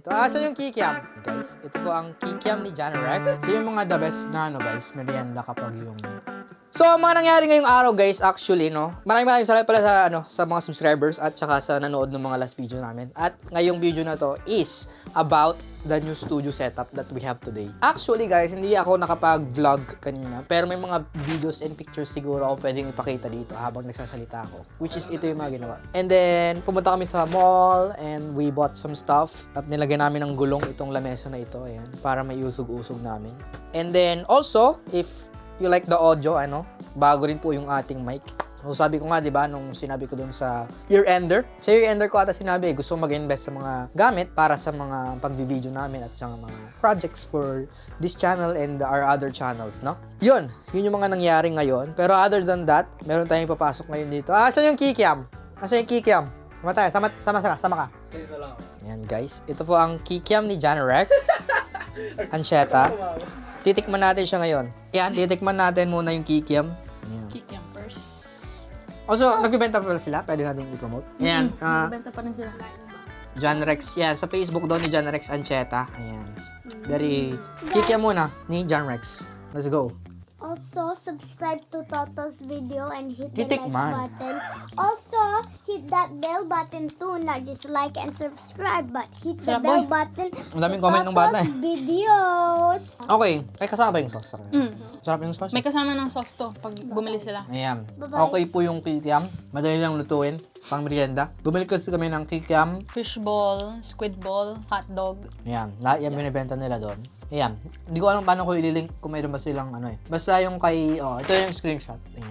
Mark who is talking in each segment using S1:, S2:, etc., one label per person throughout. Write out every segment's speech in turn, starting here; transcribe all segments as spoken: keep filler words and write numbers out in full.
S1: dito. Ah, so yung kikiam. Guys, ito po ang kikiam ni John Rex. Ito yung mga the best na ano guys, merienda kapag yung... So, ang mga nangyari ngayong araw guys, actually, no? Maraming maraming salamat pala sa, ano, sa mga subscribers at saka sa nanood ng mga last video namin. At ngayong video na to is about the new studio setup that we have today. Actually guys, hindi ako nakapag-vlog kanina, pero may mga videos and pictures siguro ako pwedeng ipakita dito habang nagsasalita ako. Which is ito yung mga ginawa. And then, pumunta kami sa mall and we bought some stuff at nilagay namin ng gulong itong lamesa na ito, ayan, para may usog-usog namin. And then, also, if you like the audio, ano, bago rin po yung ating mic. So, sabi ko nga, di ba, nung sinabi ko dun sa year-ender, sa year-ender ko ata sinabi, gusto mag-invest sa mga gamit para sa mga pag-video namin at saka mga projects for this channel and our other channels, no? Yun, yun yung mga nangyari ngayon. Pero other than that, meron tayong papasok ngayon dito. Ah, saan yung kikiam? Asa yung kikiam? Sama tayo, sama, sama, sama, sama ka.
S2: Dito lang ako.
S1: Ayan, guys. Ito po ang kikiam ni John Rex. Ancheta. Titikman natin siya ngayon. Yan, titikman natin muna yung kikiam. Ayan.
S3: Kikiam first.
S1: Also, nagbibenta pa pala sila. Pwede natin i-promote. Ayan. Uh,
S3: Nagbenta pa rin sila.
S1: John Rex. Yan, sa Facebook daw ni John Rex Ancheta. Ayan. Very... Kikiam muna ni John Rex. Let's go.
S4: Also, subscribe to Toto's video and hit the
S1: Titik
S4: like
S1: man.
S4: button. Also, hit that bell button too. Not just like and subscribe, but hit the
S3: Sarap,
S4: bell
S3: boy.
S4: button
S1: Ang daming
S4: to
S1: comment ng bata,
S4: Toto's
S1: eh.
S4: videos.
S1: Okay. Ay, kasama ba yung sauce?
S3: Mm.
S1: Sarap yung sauce.
S3: May kasama ng sauce to pag bumili sila.
S1: Ayan.
S4: Bye-bye.
S1: Okay po yung kikiam. Madali lang lutuin. Pang merienda. Bumili kasi kami ng kikiam.
S3: Fish ball, squid ball, hot dog.
S1: Ayan. Lahat yan binibenta nila doon. Ayan. Hindi ko alam paano ko ililink kung mayroon ba silang ano eh. Basta yung kay... Oh, ito yung screenshot. Ayan.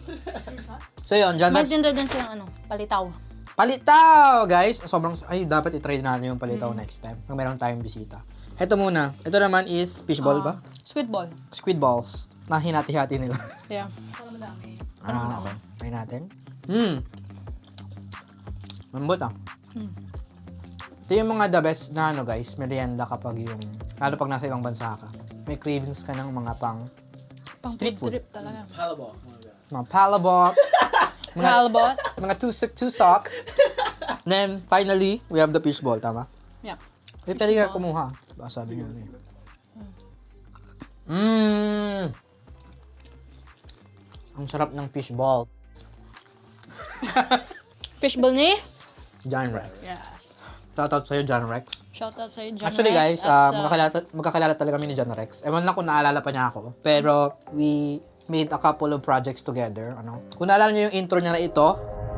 S1: So yun, John Rex.
S3: Magtinda din silang ano, palitaw.
S1: Palitaw, guys! Sobrang... Ay, dapat itry natin yung palitaw next time. Kung meron tayong bisita. Ito muna. Ito naman is fishball ba?
S3: Ah, squid ball.
S1: Squid balls. Na hinati-hati nila.
S3: Yeah.
S1: Ah, okay. Try natin. Hmm. Mambot ah.
S3: Hmm.
S1: Ito yung mga the best na ano guys, merienda kapag yung, lalo pag nasa ibang bansa ka. May cravings ka ng mga pang
S3: Pang
S1: street food.
S3: trip talaga.
S2: Halabo.
S1: Mga palabok, mga,
S3: Halbot.
S1: mga tusok-tusok. Then, finally, we have the fishball, tama?
S3: Yeah.
S1: Eh, pwede ka kumuha. Baka sabi nyo eh. Mmm! Ang sarap ng fishball.
S3: Fish ball ni?
S1: John Rex.
S3: Yes.
S1: Shoutout sa'yo, John Rex.
S3: Shoutout sa'yo, John
S1: Actually
S3: Rex,
S1: guys,
S3: at
S1: uh,
S3: sa-
S1: magkakilala, magkakilala talaga kami ni John Rex. Ewan lang kung naalala pa niya ako. Pero we made a couple of projects together. Ano? Kung naalala niyo yung intro niya na ito.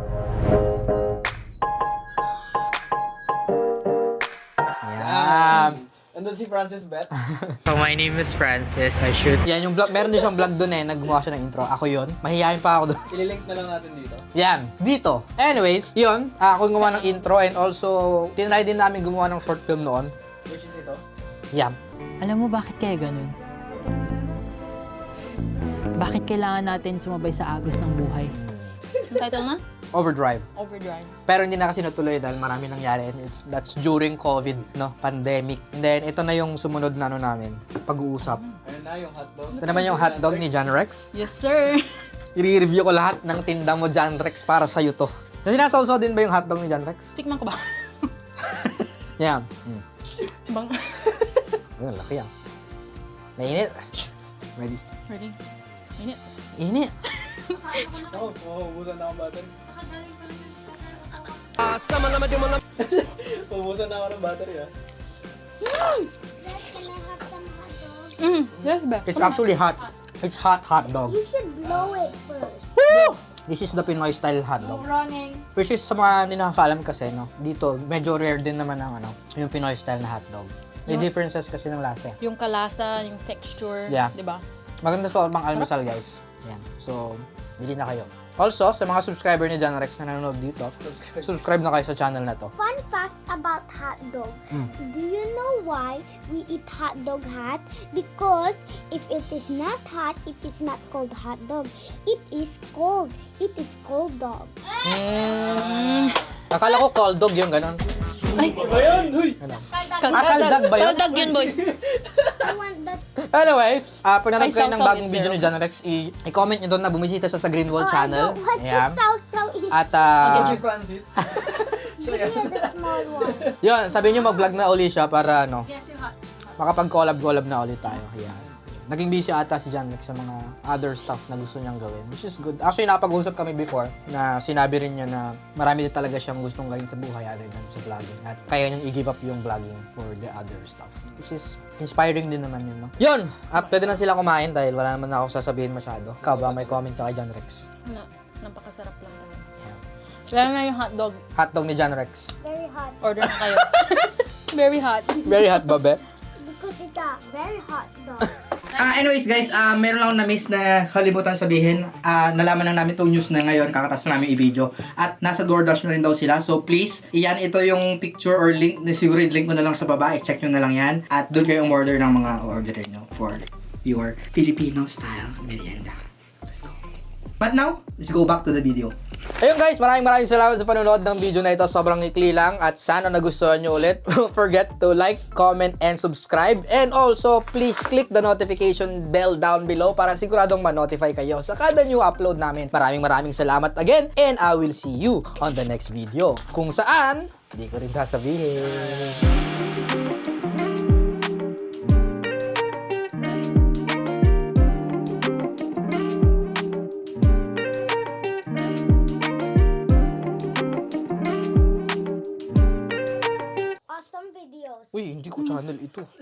S1: Ayan.
S2: Andun si Francis Beth.
S5: So my name is Francis. I shoot.
S1: Yan yung vlog. Meron din siyang vlog doon eh. Naggumawa siya ng intro. Ako yun. Mahihayin pa ako doon.
S2: Ililink na lang natin dito.
S1: Yan. Dito. Anyways, yun. Uh, ako gumawa ng intro and also tinry din namin gumawa ng short film noon.
S2: Which is ito.
S1: Yan.
S5: Alam mo bakit kaya ganun? Bakit kailangan natin sumabay sa agos ng buhay?
S3: Yung title na?
S1: Overdrive.
S3: Overdrive.
S1: Pero hindi na kasi natuloy dahil marami nangyari and it's, that's during COVID, no? Pandemic. And then, ito na yung sumunod na ano namin, pag-uusap.
S2: Ayun na yung hotdog.
S1: Ito naman yung hotdog ni John Rex.
S3: Yes, sir.
S1: I-review ko lahat ng tinda mo, John Rex, para sa'yo to. So, sinasawsaw din ba yung hotdog ni John Rex?
S3: Tikman ko ba?
S1: Yan. Mm.
S3: Bang.
S1: Ayun, laki yan. Mainit. Ready?
S3: Ready? Minute.
S1: Init.
S2: Oh, uubusan na akong battery. Uubusan na ako ng battery ah.
S4: Guys, can I have some hot dog?
S3: Mm, yes, ba?
S1: It's actually hot. It's hot hot dog.
S4: You should blow it first.
S1: Woo! This is the Pinoy style hot dog.
S4: Running.
S1: Which is sa mga hindi nakakaalam kasi, no? Dito, medyo rare din naman ang ano, yung Pinoy style na hot dog. May differences kasi ng lasa. eh.
S3: Yung kalasa, yung texture,
S1: Yeah.
S3: di ba?
S1: Maganda to pang almusal, guys. Yan. So, bili na kayo. Also, sa mga subscriber ni John Rex na nanonood dito, subscribe na kayo sa channel na to.
S4: Fun facts about hot dog. Do you know why we eat hot dog hot? Because if it is not hot, it is not called hot dog. It is cold. It is cold dog.
S1: Mm. Akala ko cold dog yung ganun.
S2: Iba yan! Huy!
S1: Ano?
S3: Kaldag
S1: ba yun?
S3: Kaldag yun, boy.
S4: I want that.
S1: Anyways, uh, pag nanonood
S3: Ay,
S1: kayo ng
S3: sausaw
S1: bagong
S3: it
S1: video
S3: there.
S1: ni John Rex, i- i-comment nyo doon na bumisita siya sa Greenwall
S4: Oh, I
S1: channel.
S4: don't want
S1: Ayan.
S4: to sausaw it.
S1: At, uh,
S2: Si Francis. Siya
S4: Give me the small one.
S1: Yun, sabi niyo mag-vlog na uli siya para ano, makapag-collab-collab na ulit tayo. Yan. Naging busy ata si John Rex sa mga other stuff na gusto niyang gawin, which is good. Actually, nakapag-usap kami before na sinabi rin niya na marami din talaga siyang gustong gawin sa buhay other than sa vlogging. At kaya niyang i-give up yung vlogging for the other stuff. Which is inspiring din naman yun, no? Yun! At pwede na sila kumain dahil wala naman ako sasabihin masyado. Ikaw ba, may comment ka kay John Rex?
S3: Wala. Napakasarap lang talaga.
S1: Yeah.
S3: Lalo na yung hotdog.
S1: Hotdog ni John Rex.
S4: Very hot.
S3: Order na kayo. Very hot.
S1: Very hot ba, be?
S4: Because it's a very hot dog.
S1: Ah, anyways guys, ah meron lang akong na-miss na kalimutan sabihin. Ah, nalaman lang namin tong news na ngayon, kakatas na namin i-video. At nasa DoorDash na rin daw sila. So please, iyan ito yung picture or link, na siguro i-link mo na lang sa baba, i-check nyo na lang yan. At doon kayo umorder ng mga orderin nyo for your Filipino style merienda. Let's go. But now, let's go back to the video. Ayun guys, maraming maraming salamat sa panonood ng video na ito. Sobrang ikli lang at sana nagustuhan nyo ulit. Don't forget to like, comment, and subscribe. And also, please click the notification bell down below para siguradong ma-notify kayo sa kada new upload namin. Maraming maraming salamat again and I will see you on the next video. Kung saan, di ko rin sasabihin.
S4: Awesome videos.
S1: Uy, hindi ko channel ito.